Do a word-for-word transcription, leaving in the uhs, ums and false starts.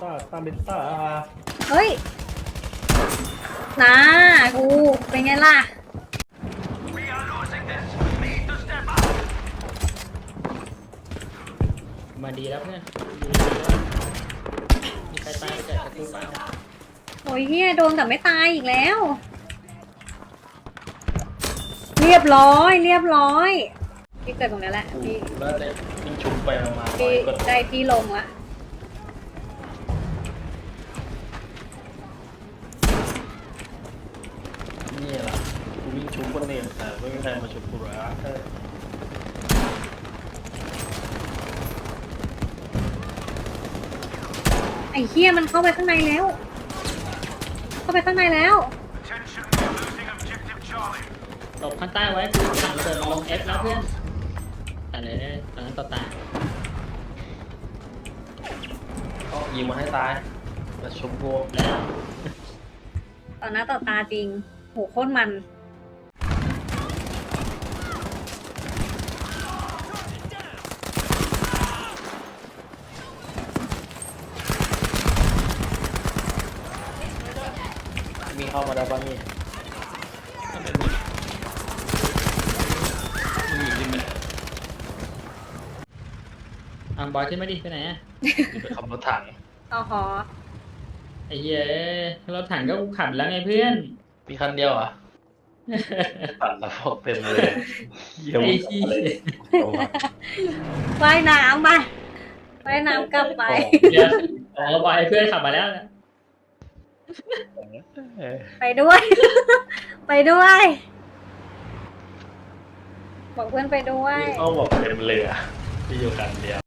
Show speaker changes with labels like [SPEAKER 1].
[SPEAKER 1] ต้าตามเป็นต้า
[SPEAKER 2] เฮ้ยนะกูเป็นไงล่ะ
[SPEAKER 3] มาดีแล้วเพื่อนมีใครตายไปจากกระตุ้นเปล่า
[SPEAKER 2] โอ้ยเฮียโดนแต่ไม่ตายอีกแล้ว เรียบร้อยเรียบร้อยพี่เกิดตรงนี้แหละพี่
[SPEAKER 1] แล้วแต่วิ่งชุบไปมา
[SPEAKER 2] พี่
[SPEAKER 1] ก็
[SPEAKER 2] ได้ที่ลงละ
[SPEAKER 1] นี่แหละกูวิ่งชุบคนเองแต่ไม่มีใครมาชุบกูหรอก
[SPEAKER 2] ไอ้เฮียมันเข้าไปข้างในแล้ว เข้าไปข้างในแล้ว
[SPEAKER 3] หลบข้างใต้ไว้คือถังระเบิดลงเอฟแล้วเพื่อนแต่เลยตอนนั้นต่อตา
[SPEAKER 1] ก็ยิงมาให้ตายมาชุบกู
[SPEAKER 3] แล้ว
[SPEAKER 2] ต่อหน้าต่อตาจริงโหโคตรมัน
[SPEAKER 1] มีเข้ามาได้บ้างนี่มีจริงไหม
[SPEAKER 3] อังบอยขึ้นมาดิไปไหนอะ
[SPEAKER 1] ไปขับรถถัง
[SPEAKER 2] อ๋อหอ
[SPEAKER 3] ไอ้เหี้ยรถถังก็ขับแล้วไงเพื่อน
[SPEAKER 1] มีคันเดียวอ่ะปั่นแล้วพวกเต็มเลยเยี่ยม
[SPEAKER 3] ไอ้ที่
[SPEAKER 2] ว่ายน้ำไปว่ายน้ำกลับไป
[SPEAKER 3] เดี๋ยวอ๋อบอยเพื่อนขับมาแล้วนะ
[SPEAKER 2] ไปด้วย ไปด้วย บอกเพื่อนไปด้วย
[SPEAKER 1] เขาบอกเต็มเลยอ่ะที่อยู่คันเดียว